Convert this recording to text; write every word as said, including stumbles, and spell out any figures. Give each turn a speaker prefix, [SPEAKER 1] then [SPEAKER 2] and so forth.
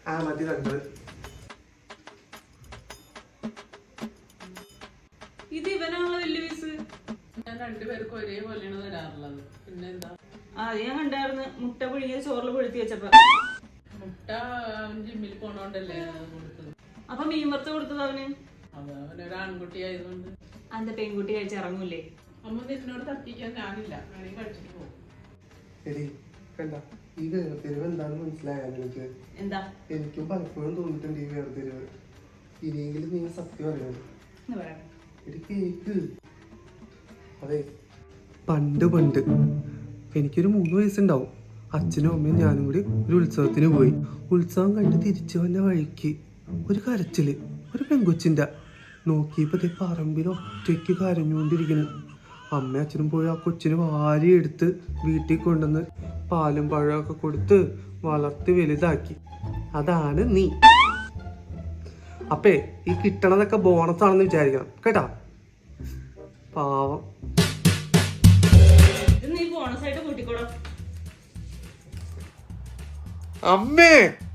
[SPEAKER 1] ആ മതി കണ്ടത്.
[SPEAKER 2] ഇത് ഇവനാണല്ലോ വലിയ പീസ്.
[SPEAKER 3] ഞാൻ രണ്ടുപേർക്കും ഒരേപോലെയാണ് തരാറുള്ളത്. പിന്നെന്താ?
[SPEAKER 2] ആ ഞാൻ കണ്ടായിരുന്നു മുട്ട പുഴുങ്ങിയ ചോറിൽ പൊഴുത്തി വെച്ചപ്പോ.
[SPEAKER 3] മുട്ട ജിമ്മിൽ പോണോണ്ടല്ലേ കൊടുത്തത്.
[SPEAKER 2] അപ്പൊ മീൻ വറുത്ത് കൊടുത്തത് അവന്.
[SPEAKER 3] അത് അവനൊരു ആൺകുട്ടി ആയതുകൊണ്ട്.
[SPEAKER 2] അന്ത പെൺകുട്ടി കഴിച്ചിറങ്ങൂലേ?
[SPEAKER 3] അമ്മ നിന്നോട് തട്ടിക്കാൻ ഞാനില്ല. വേണമെങ്കിൽ കഴിച്ചിട്ട് പോകും.
[SPEAKER 1] എടി കണ്ട ഈ വേർതിരിവ് എന്താണെന്ന് മനസ്സിലായാലും എനിക്ക്
[SPEAKER 2] എന്താ
[SPEAKER 1] എനിക്കും പലപ്പോഴും തോന്നിയിട്ടുണ്ട് ഈ വേർതിരിവ്. ഇനിയെങ്കിലും നീ സത്യം അറിയണം. എടി കേക്ക്. അതെ പണ്ട് പണ്ട് എനിക്കൊരു മൂന്ന് വയസ്സുണ്ടാവും. അച്ഛനും അമ്മയും ഞാനും കൂടി ഒരു ഉത്സവത്തിന് പോയി. ഉത്സവം കണ്ട് തിരിച്ചു വന്ന വഴിക്ക് ഒരു കരച്ചില്, ഒരു പെങ്കൊച്ചിൻ്റെ. നോക്കിയപ്പോൾ ഇതേ പറമ്പിൽ ഒറ്റയ്ക്ക് കരഞ്ഞുകൊണ്ടിരിക്കുന്നു. അമ്മയും അച്ഛനും പോയി ആ കൊച്ചിന് വാരി എടുത്ത് വീട്ടിൽ കൊണ്ടുവന്ന് പാലും പഴമൊക്കെ കൊടുത്ത് വളർത്തി വലുതാക്കി. അതാണ് നീ. അപ്പേ ഈ കിട്ടണതൊക്കെ ബോണസ് ആണെന്ന് വിചാരിക്കണം കേട്ടാ. പാവം.
[SPEAKER 2] നീ ബോണസ് ആയിട്ട് കൂട്ടിക്കോളാം.
[SPEAKER 1] അമ്മേ.